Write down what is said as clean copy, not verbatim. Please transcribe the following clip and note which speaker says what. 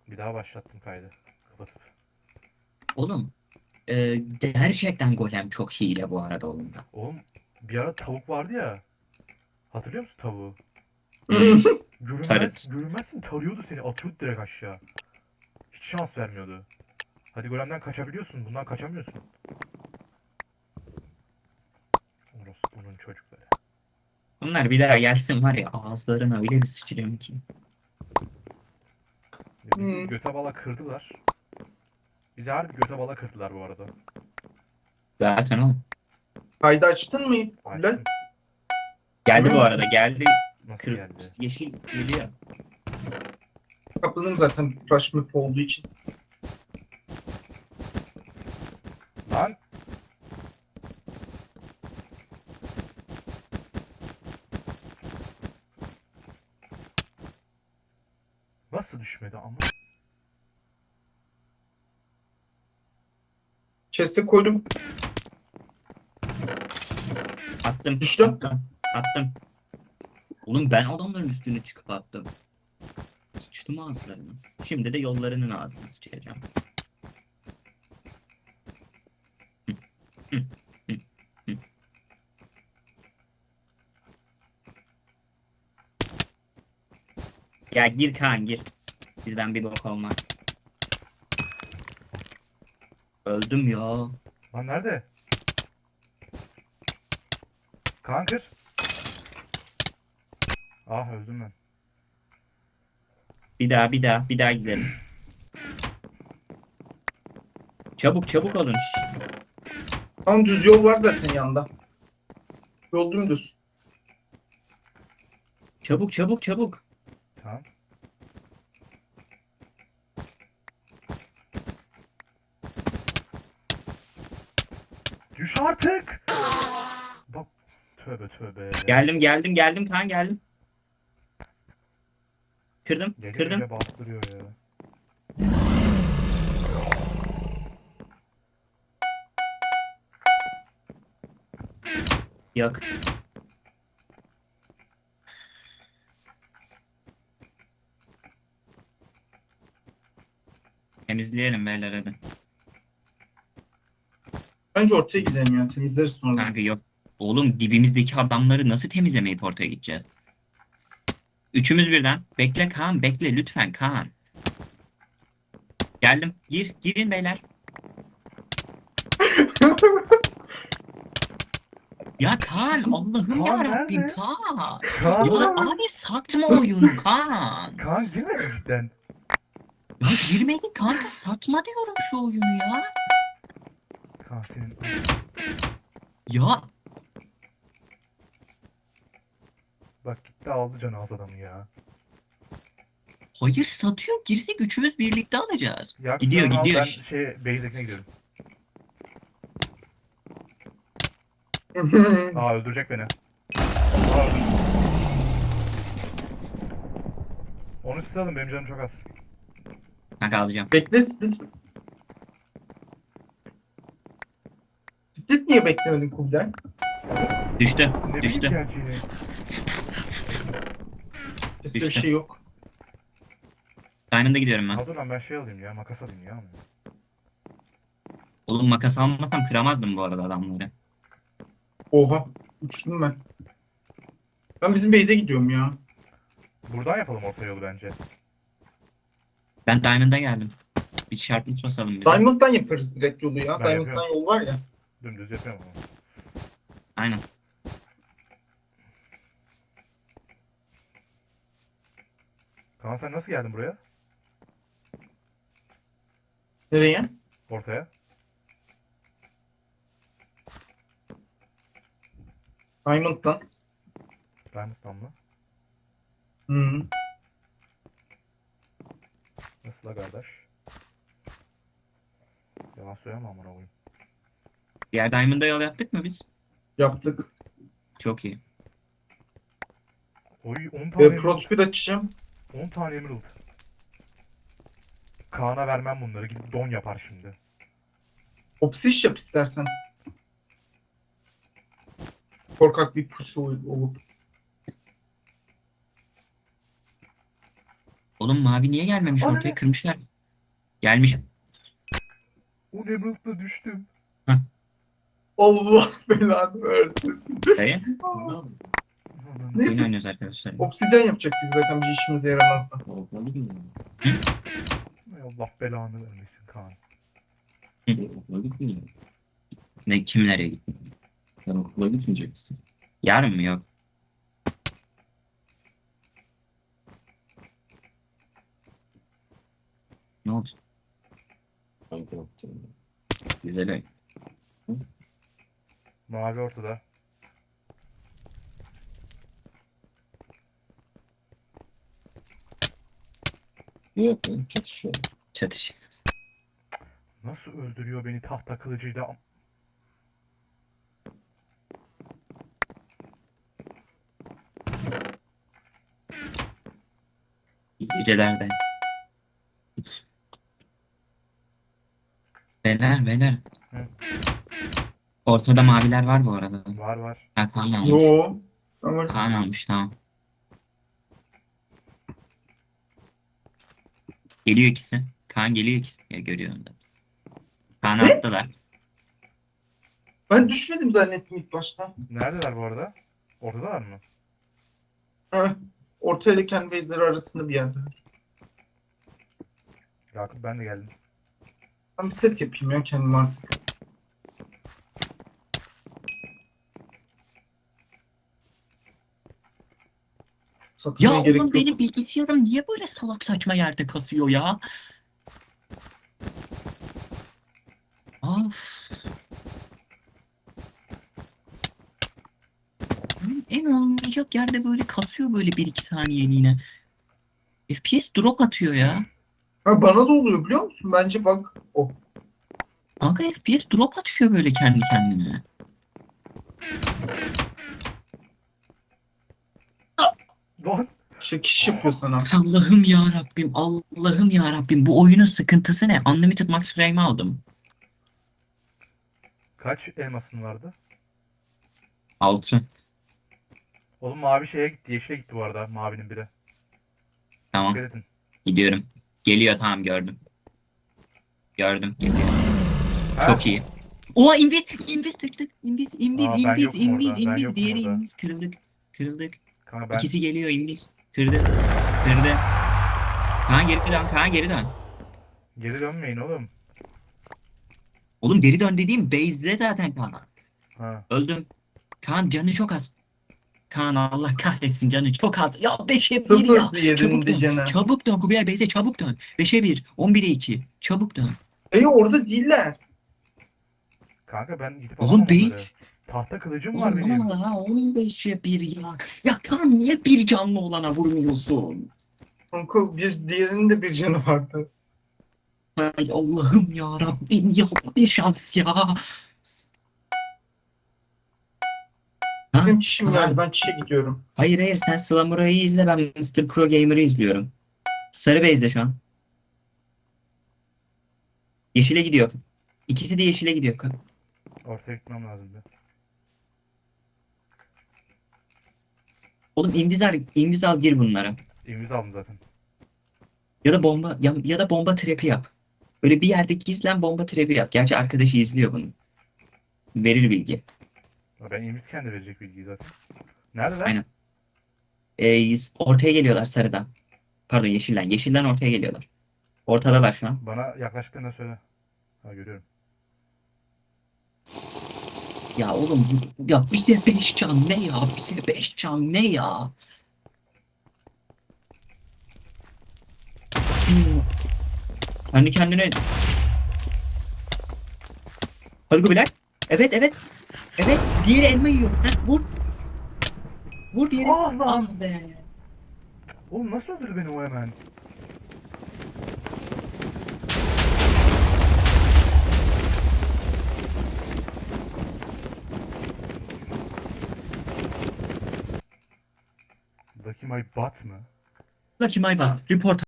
Speaker 1: Bir daha başlattım kaydı. Kapatıp.
Speaker 2: Oğlum gerçekten golem çok hile bu arada oyunda.
Speaker 1: Oğlum bir ara tavuk vardı ya. Hatırlıyor musun tavuğu?
Speaker 2: Hmm,
Speaker 1: Görünmez,
Speaker 2: tarıt.
Speaker 1: görünmezsin tarıyordu seni. Atıyordu direkt aşağı. Hiç şans vermiyordu. Hadi golemden kaçabiliyorsun. Bundan kaçamıyorsun. Orası bunun çocukları.
Speaker 2: Bunlar bir daha gelsin var ya ağızlarına öyle bir sıçrayım ki.
Speaker 1: Ya bizi göte bala kırdılar. Bizi harbi göte bala kırdılar bu arada.
Speaker 2: Zaten o.
Speaker 3: Kaydı açtın mı Kubilay?
Speaker 1: Açtım.
Speaker 2: Geldi
Speaker 3: Emin
Speaker 2: bu
Speaker 3: misin?
Speaker 2: arada geldi.
Speaker 1: Nasıl
Speaker 2: Kır,
Speaker 1: geldi?
Speaker 2: yeşil geliyor.
Speaker 3: Kapladım zaten Rush Map olduğu için.
Speaker 1: Lan! Nasıl düşmedi ama?
Speaker 3: Chest'e koydum.
Speaker 2: Attım.
Speaker 3: Düştü.
Speaker 2: Attım. Oğlum ben adamların üstüne çıkıp attım. Sıçtım ağızlarına. Şimdi de yollarının ağzını sıçacağım. Hı, hı, hı. Ya gir Kaan gir. Bizden bir bok olmaz. Öldüm ya.
Speaker 1: Lan nerede? Kaan kır. Ah öldüm ben.
Speaker 2: Bir daha gidelim. Çabuk olun. Şş.
Speaker 3: Tam düz yol var zaten yanında. Yol dümdüz.
Speaker 2: Çabuk.
Speaker 1: Tamam. Düş artık! Bak tövbe tövbe.
Speaker 2: Geldim Kaan geldim.
Speaker 1: Gece
Speaker 2: Kırdım.
Speaker 1: gece bastırıyor ya.
Speaker 2: Yok. Temizleyelim beyler hadi.
Speaker 3: Bence ortaya gidelim ya. Temizleriz sonra.
Speaker 2: Kanka yok. Oğlum dibimizdeki adamları nasıl temizlemeyip ortaya gideceğiz? Üçümüz birden. Bekle Kaan bekle lütfen Kaan. Geldim. Girin beyler. Ya Kaan Allah'ım
Speaker 1: Kaan
Speaker 2: ya Rabbim
Speaker 1: nerede?
Speaker 2: Kaan.
Speaker 1: Kaan
Speaker 2: Ya
Speaker 1: nerede?
Speaker 2: abi satma oyunu Kaan.
Speaker 1: Kaan girmedi mi cidden?
Speaker 2: Ya girmedi kanka satma diyorum şu oyunu ya.
Speaker 1: Kaan senin...
Speaker 2: Ya
Speaker 1: Bak gitti aldı canı az adamı ya.
Speaker 2: hayır satıyor girsek üçümüz birlikte alacağız.
Speaker 1: Ya sen
Speaker 2: Gidiyor
Speaker 1: onu al
Speaker 2: gidiyor.
Speaker 1: ben base'dekine gidiyorum. Aa öldürecek beni. Aa öldürdü. Onu siz alın benim canım çok az.
Speaker 2: Kanka alacağım.
Speaker 3: Bekle split. Split niye beklemedin Kubilay?
Speaker 2: Düştü.
Speaker 1: Ne bileyim
Speaker 2: Düştü.
Speaker 1: geleceğini.
Speaker 3: Chest'te bir
Speaker 2: Düştü.
Speaker 3: şey yok.
Speaker 2: Diamond'a gidiyorum ben.
Speaker 1: Ha dur lan ben alayım ya makas alayım ya.
Speaker 2: Oğlum makas almasam kıramazdım bu arada adamları.
Speaker 3: Oha. Uçtum ben. Ben bizim base'e gidiyorum ya.
Speaker 1: Buradan yapalım orta yolu bence.
Speaker 2: Ben Diamond'a geldim. Bir çarpmış basalım bize.
Speaker 3: Diamond'dan yaparız direkt yolu ya.
Speaker 1: Ben
Speaker 3: Diamond'dan
Speaker 1: yapıyorum.
Speaker 3: yol var ya.
Speaker 1: Dümdüz yapıyorum ama.
Speaker 2: Aynen.
Speaker 1: Kaan sen nasıl geldin buraya?
Speaker 3: Nereye?
Speaker 1: Ortaya.
Speaker 3: Diamond'dan.
Speaker 1: Diamond'dan mı?
Speaker 3: Hı.
Speaker 1: Nasıl la kardeş? Yalan söyleme amına koyayım.
Speaker 2: Diğer Diamond'a yol yaptık mı biz?
Speaker 3: Yaptık.
Speaker 2: Çok iyi.
Speaker 1: Oy 10 tane
Speaker 3: Ve
Speaker 1: emerald.
Speaker 3: Prospir açacağım.
Speaker 1: 10 tane emerald. Kaan'a vermem bunları. Gidip don yapar şimdi.
Speaker 3: Opsiş yap istersen. Korkak bir pusu olup.
Speaker 2: Oğlum mavi niye gelmemiş
Speaker 1: Ana
Speaker 2: ortaya?
Speaker 1: ne?
Speaker 2: Kırmışlar. Gelmiş.
Speaker 1: O Emerald'da düştüm.
Speaker 3: Allah belanı versin.
Speaker 2: Dayı.
Speaker 1: Ananı
Speaker 2: Oyun
Speaker 3: Neyse,
Speaker 2: oynuyoruz arkadaşlar.
Speaker 3: obsidyen yapacaktık zaten, bir işimize yaramazdı.
Speaker 1: Ay Allah belanı vermesin Kaan.
Speaker 2: Ne kim nereye gitti?
Speaker 4: Sen okula gitmeyecek misin?
Speaker 2: Yarın mı yok? Ne oldu?
Speaker 4: Kanka yaptım.
Speaker 2: Güzel oyun.
Speaker 1: Mavi ortada.
Speaker 4: Yok lan çatışıyor.
Speaker 2: Çatış.
Speaker 1: Nasıl öldürüyor beni tahta kılıcıyla?
Speaker 2: İyi gecelerde. Beyler beyler.
Speaker 1: Hı.
Speaker 2: Ortada maviler var bu arada.
Speaker 1: Var var.
Speaker 2: Ha, Kaan almış.
Speaker 3: Yo. Ama
Speaker 2: Kaan almış tamam. Geliyor ikisi. Kaan geliyor ikisi. Ya görüyorum da. Kaan'ı
Speaker 3: Ne?
Speaker 2: attılar.
Speaker 3: ben düşmedim zannettim ilk başta.
Speaker 1: Neredeler bu arada? Ortadalar mı?
Speaker 3: Ha, orta ile kendi base'leri arasında bir yerde.
Speaker 1: Yakup ben de geldim.
Speaker 3: Ben bir set yapayım ya kendim artık. Satmaya
Speaker 2: Ya
Speaker 3: gerek
Speaker 2: oğlum
Speaker 3: yok.
Speaker 2: benim bilgisayarım niye böyle salak saçma yerde kasıyor ya? Of. En olmayacak yerde böyle kasıyor böyle 1-2 saniyeliğine. FPS drop atıyor ya.
Speaker 3: Ha, bana da oluyor biliyor musun? Bence bak o.
Speaker 2: Kanka FPS drop atıyor böyle kendi kendine.
Speaker 1: Lan!
Speaker 3: Çekiş yapıyor sana.
Speaker 2: Allah'ım ya Rabbim, Allah'ım ya Rabbim. Bu oyunun sıkıntısı ne? Unlimited Max Frame aldım.
Speaker 1: Kaç elmasın vardı?
Speaker 2: 6.
Speaker 1: Oğlum mavi şeye gitti. Yeşile gitti bu arada. Mavinin biri.
Speaker 2: Tamam,
Speaker 1: Dikkat edin.
Speaker 2: gidiyorum. Geliyor tamam gördüm. Gördüm geliyor.
Speaker 1: Ha?
Speaker 2: Çok iyi. Oha invis tıktık. İnvis
Speaker 1: Aa, ben yokum orada, ben yokum
Speaker 2: diğeri
Speaker 1: orada.
Speaker 2: invis kırıldık. Kırıldık.
Speaker 1: Kanka ben
Speaker 2: İkisi geliyor invis. Kırdı. Kırdı. Kaan geri dön. Kaan geri dön.
Speaker 1: geri dönmeyin oğlum.
Speaker 2: Oğlum geri dön dediğim base'de zaten Kaan.
Speaker 1: Ha.
Speaker 2: Öldüm. Kaan canı çok az. Kaan Allah kahretsin canı çok az. Ya 5'e 1
Speaker 3: Sıfır
Speaker 2: ya. Çabuk
Speaker 3: diğerinde
Speaker 2: dön.
Speaker 3: canı.
Speaker 2: Çabuk dön Kubilay base'e çabuk dön. 5'e 1. 11'e 2. Çabuk dön.
Speaker 3: Orada değiller.
Speaker 1: Kanka ben gidip
Speaker 2: Oğlum
Speaker 1: alamam
Speaker 2: base.
Speaker 1: onları. Tahta kılıcım var
Speaker 2: Oğlum
Speaker 1: benim.
Speaker 2: aman ha 15'e 1 ya. Ya Kaan niye bir canlı olana vurmuyorsun?
Speaker 3: Kanka diğerinin de bir canı vardı.
Speaker 2: Ay Allah'ım ya Rabbim ya bir şans ya. Ha,
Speaker 3: Benim çişim
Speaker 2: Kaan.
Speaker 3: geldi, ben çişe gidiyorum.
Speaker 2: Hayır hayır sen Slamura'yı izle ben Mr. Pro Gamer'ı izliyorum. Sarı base'de şu an. Yeşile gidiyor. İkisi de yeşile gidiyor.
Speaker 1: Ortaya gitmem lazımdı.
Speaker 2: Oğlum inviz al gir bunlara.
Speaker 1: İmza aldım zaten.
Speaker 2: Ya da bomba trap'i yap. Böyle bir yerde gizlen bomba trap'i yap. Gerçi arkadaşı izliyor bunu. Verir bilgi.
Speaker 1: Ya ben İmiz kendi verecek bilgiyi zaten. Neredeler?
Speaker 2: Aynen. Ortaya geliyorlar sarıdan. Pardon yeşilden. Yeşilden ortaya geliyorlar. Ortadalar şu an.
Speaker 1: Bana yaklaştıklarında söyle. Ha görüyorum.
Speaker 2: Ya oğlum ya bir de 5 can ne ya? Bir de 5 can ne ya? Kendi kendine... Hadi Kubilay. Evet evet. Evet. Diğeri elma yiyor. Ha, vur. Vur diğeri.
Speaker 1: Ah lan!
Speaker 2: Ah be.
Speaker 1: Oğlum nasıl öldürdü beni o hemen? Lucky My Butt mı?
Speaker 2: Lucky my bad. Report